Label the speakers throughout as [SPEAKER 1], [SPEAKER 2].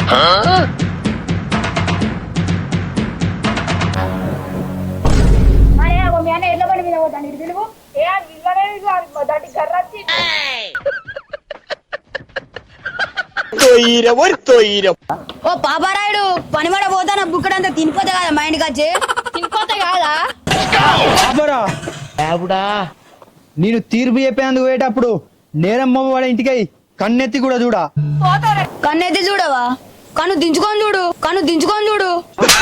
[SPEAKER 1] ఓ పాపారాయుడు పనిమడ పోతాన బుక్కడంతా తినిపోతే కదా మా ఇంటికి వచ్చి తినిపోతే కాదా
[SPEAKER 2] నేను తీర్పు చెప్పేందుకు పోయేటప్పుడు నేరం వాళ్ళ ఇంటికి కన్నెత్తి కూడా చూడా.
[SPEAKER 1] కన్నెత్తి చూడవా? కన్ను దించుకొని చూడు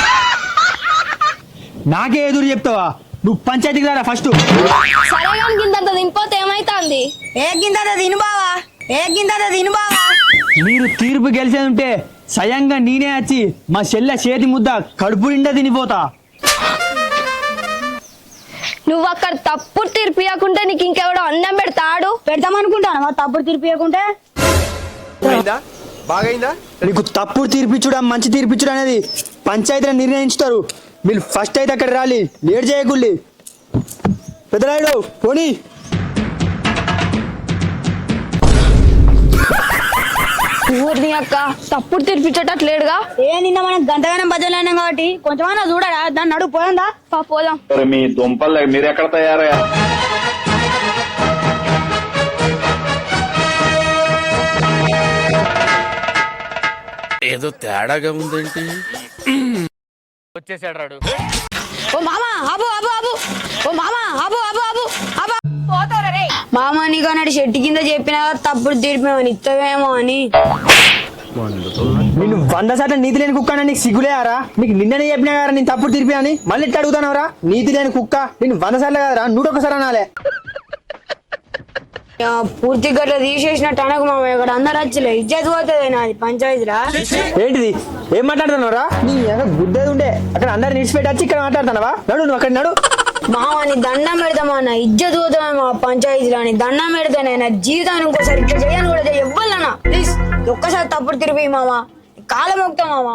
[SPEAKER 2] నాకే ఎదురు చెప్తావా? నువ్వు పంచాయతీకి రారా ఫస్ట్.
[SPEAKER 1] సరే కానీ గింతంత తినిపోతే ఏమైతుంది? ఏ గింతంత తిను బావా
[SPEAKER 2] మీరు తీర్పు గెలిచేది ఉంటే స్వయంగా నేనే వచ్చి మా చెల్లె చేతి ముద్ద కడుపు నిండా తినిపోతా.
[SPEAKER 1] నువ్వు అక్కడ తప్పుడు తీర్పు ఇవ్వకుంటే నీకు ఇంకెవడో అన్నం పెడతామనుకుంటాను. తప్పుడు తీర్పు ఇవ్వకుంటే
[SPEAKER 2] నీకు తప్పుడు తీర్పిచ్చుడా మంచి తీర్పిచ్చుడు అనేది పంచాయతీలో నిర్ణయించుతారు. మీరు ఫస్ట్ అయితే అక్కడ రాలి, లేట్ చేయకుల్లి. పెద్దరాయుడు పోనీ.
[SPEAKER 1] ఊరిని అక్క తప్పుడు తీర్పిచ్చేటట్లేడుగా. నిన్న మనం గంటగానం బజలైనాం కాబట్టి కొంచెమన్నా చూడరా. దాన్ని నడుపు పోయిందా? పోదాం.
[SPEAKER 3] మీ దుంపలు మీరు ఎక్కడ తయారయ్యా?
[SPEAKER 4] ఏదో తేడాగా ఉందేంటి? వచ్చేసాడు రాడు.
[SPEAKER 1] ఓ మామా ఆబు ఆబు ఆబు ఓ మామా ఆబు ఆబు ఆబు ఆబు మామా నీకు అన్నాడు చెట్టు కింద చెప్పినా తప్పుడు తీర్పేమని ఇస్తావేమో అని.
[SPEAKER 2] నేను 100 శాతం నీతి లేని కుక్క. నీకు సిగ్గులేరా? నీకు నిన్ననే చెప్పినా కదా నేను తప్పుడు తీర్పి అని. మళ్ళీ ఇట్లా అడుగుతానవరా? నీతి లేని కుక్క. నేను 100 సార్లు కదరా, 101 అనాలే.
[SPEAKER 1] పూర్తి గట్ల తీసేసినట్టు అనకు మామ. ఇక్కడ అందరు వచ్చలే ఇజ్జత్ పోతుంది నాది పంచాయతీరా.
[SPEAKER 2] ఏంటిది? ఏం మాట్లాడుతున్నావురా? నీ గుద్దేది ఉండే అక్కడ అందరు నిడిచిపెట్టి వచ్చి ఇక్కడ మాట్లాడుతున్నావా? నడు నువ్వు అక్కడ నడు.
[SPEAKER 1] మామని దండం పెడతామా అన్న, ఇజ్జత్ పోతామా పంచాయతీలో అని దండం పెడతానే. జీవితాన్ని ఇంకోసారి ఇట్లా చేయను కూడా ఇవ్వాలన్నా ప్లీజ్. ఒక్కసారి తప్పుడు తిరిగి మామ కాలం మొక్తా మామ.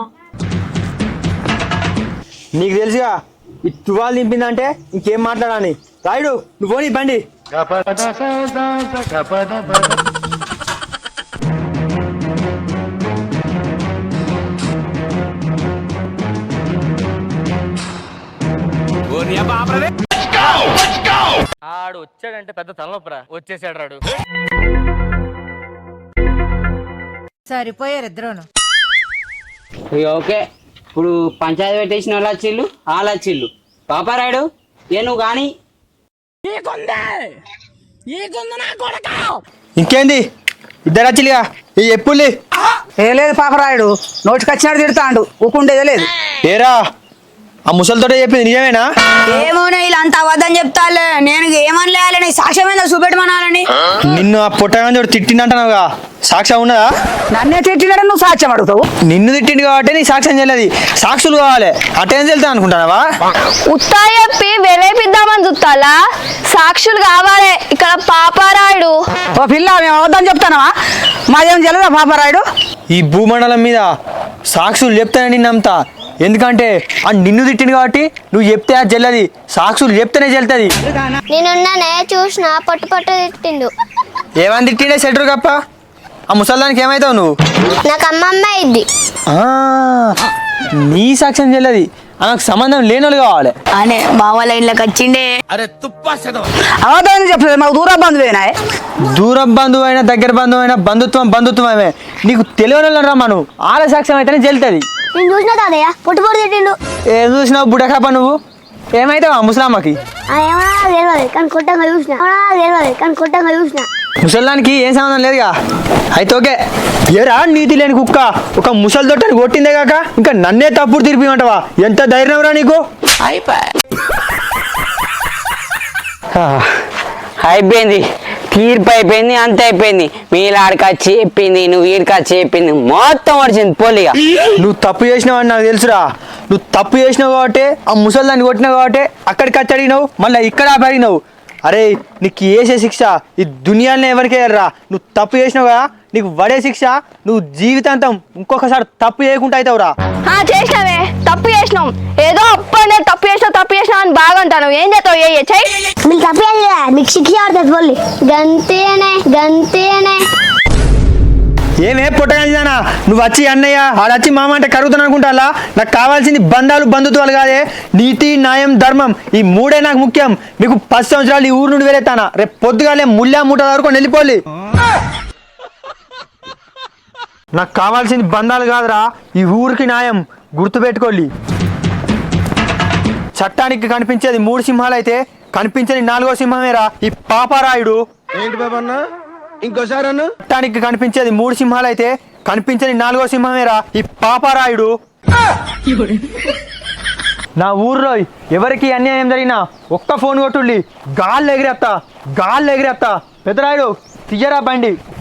[SPEAKER 2] నీకు తెలుసుగా ఈ తువాలు దింపిందంటే ఇంకేం మాట్లాడాలి. రాయుడు నువ్వు పోనీ బండి.
[SPEAKER 4] ఆడు వచ్చాడంటే పెద్ద తలనొప్పరా. వచ్చేసాడు రాడు.
[SPEAKER 5] సరిపోయారు ఇద్దరును.
[SPEAKER 6] ఓకే ఇప్పుడు పంచాయతీ పెట్టేసిన వాళ్ళు వచ్చిళ్ళు, వాళ్ళు వచ్చిళ్ళు. పాపారాయుడు ఏ నువ్వు కానీ
[SPEAKER 2] ఇంకేంది ఇద్దరు వచ్చిగా ఈ ఎప్పుడు
[SPEAKER 5] ఏ లేదు పాపరాయుడు నోటికి వచ్చినాడు తిడతాండు, ఊకుండేదే లేదు.
[SPEAKER 2] ఏరా ఆ ముసలితోటే చెప్పింది నిజమేనా?
[SPEAKER 1] ఏమోనే ఇలా అంత అబద్ధం చెప్తాలే. నేను ఏమనలేయాలని సాక్ష్యం ఏందో చూపెట్టమనాలని.
[SPEAKER 2] నిన్ను ఆ పుట్టగానే తిట్టిందంటున్నావుగా, సాక్ష్యం ఉన్నదా?
[SPEAKER 5] నన్నే తిట్టినాడు నువ్వు సాక్ష్యం అడుగుతావు.
[SPEAKER 2] నిన్ను తిట్టింది కాబట్టి నీకు సాక్ష్యం చేయలేదు, సాక్షులు కావాలి. అటెండ్ వెళ్తా అనుకుంటావా?
[SPEAKER 1] ఉత్తా చెప్పి వెలేపిద్దామని చూస్తాలా? సాక్షులు కావాలి ఇక్కడ పాపారాయుడు.
[SPEAKER 5] ఓ పిల్ల మేము అబద్ధం చెప్తానవా? మాదేం తెలియదా పాపారాయుడు?
[SPEAKER 2] ఈ భూమండలం మీద సాక్షులు చెప్తానని నమ్ముతా. ఎందుకంటే ఆ నిన్ను తిట్టింది కాబట్టి నువ్వు చెప్తే అది చెల్లది, సాక్షులు చెప్తేనే చెల్తుంది.
[SPEAKER 7] నేనున్నానే చూసిన పొట్టు పొట్టు తిట్టిండు.
[SPEAKER 2] ఏమని తిట్టిండే సెటర్ కప్ప? ఆ ముసల్దానికి ఏమవుతావు నువ్వు?
[SPEAKER 7] నాకు అమ్మమ్మ ఇద్ది.
[SPEAKER 2] నీ సాక్ష్యం చెల్లది, ఆమెకు సంబంధం లేని వాళ్ళు కావాలి
[SPEAKER 1] అనే మా వాళ్ళ ఇళ్ళకి వచ్చిండే.
[SPEAKER 4] అరే తుప్పా
[SPEAKER 5] అబద్ధం చెప్పలేదు, మాకు దూర బంధువేనా?
[SPEAKER 2] దూర బంధువు అయినా దగ్గర బంధువు అయినా బంధుత్వమే. నీకు తెలియని రమ్మా, నువ్వు ఆల సాక్ష్యం అయితేనే చెల్తుంది.
[SPEAKER 7] నేను చూసిన తాదయ్య పొట్టు పొట్టు తిట్టిండు.
[SPEAKER 2] ఏం చూసినావు బుడకాప నువ్వు? ఏమైతావా ముసలామ్మకి?
[SPEAKER 7] తెలియదు కానీ కొట్టంగా చూసిన.
[SPEAKER 2] ముసల్దానికి ఏం సంబంధం లేదుగా. అయితే ఓకే. ఏరా నీతి లేని కుక్క, ఒక ముసలి తొట్టని కొట్టిందే కాక ఇంకా నన్నే తప్పుడు తిరిపిమంటావా? ఎంత ధైర్యం రా నీకు?
[SPEAKER 6] అయిపోయింది, తీర్పు అయిపోయింది, అంత అయిపోయింది. మీలాడికి వచ్చి చెప్పింది, నువ్వు వీడికి వచ్చి చెప్పింది, మొత్తం వచ్చింది పోలిగా.
[SPEAKER 2] నువ్వు తప్పు చేసినావు అని నాకు తెలుసురా. నువ్వు తప్పు చేసినావు కాబట్టి ఆ ముసల్దాన్ని కొట్టినావు కాబట్టి అక్కడికి వచ్చి అడిగినావు, మళ్ళీ ఇక్కడ అడిగినావు. అరే నీకు వేసే శిక్ష ఈ దునియాలో ఎవరికి వేయరా. నువ్వు తప్పు చేసినావు కదా, నీకు పడే శిక్ష నువ్వు జీవితాంతం ఇంకొకసారి తప్పు చేయకుండా అవుతావురా.
[SPEAKER 1] చేసినావే, తప్పు చేసినాం. ఏదో అప్పుడు తప్పు చేసినా అని బాగా అంటాను. ఏం చేస్తావు?
[SPEAKER 7] మీకు తప్పు మీకు శిక్ష ఆడుతుంది పోలి. గంతేనే
[SPEAKER 2] ఏమే పుట్టగలిదానా నువ్వు వచ్చి అన్నయ్య ఆడొచ్చి మామ అంటే కరుగుతాను అనుకుంటా. నాకు కావాల్సింది బంధాలు బంధుత్వాలు కాదే, నీతి న్యాయం ధర్మం, ఈ మూడే నాకు ముఖ్యం. మీకు 10 సంవత్సరాలు ఈ ఊరు నుండి వెళ్ళేస్తానా, రేపు పొద్దుగాలే ముళ్ళా మూట వరకు వెళ్ళిపోలే. నాకు కావాల్సింది బంధాలు కాదురా, ఈ ఊరికి న్యాయం. గుర్తుపెట్టుకోండి. చట్టానికి కనిపించేది 3 సింహాలు అయితే కనిపించని 4వ సింహమేరా ఈ పాపారాయుడు.
[SPEAKER 8] ఏంటి బాబా అన్న ఇంకోసారి అన్న
[SPEAKER 2] చట్టానికి కనిపించేది 3 సింహాలు అయితే కనిపించని 4వ సింహమేరా ఈ పాపారాయుడు. నా ఊర్లో ఎవరికి అన్యాయం జరిగినా ఒక్క ఫోన్ కొట్టుళ్ళి గాల్లో ఎగిరేస్తా. పెద్దరాయుడు తీయరా బండి.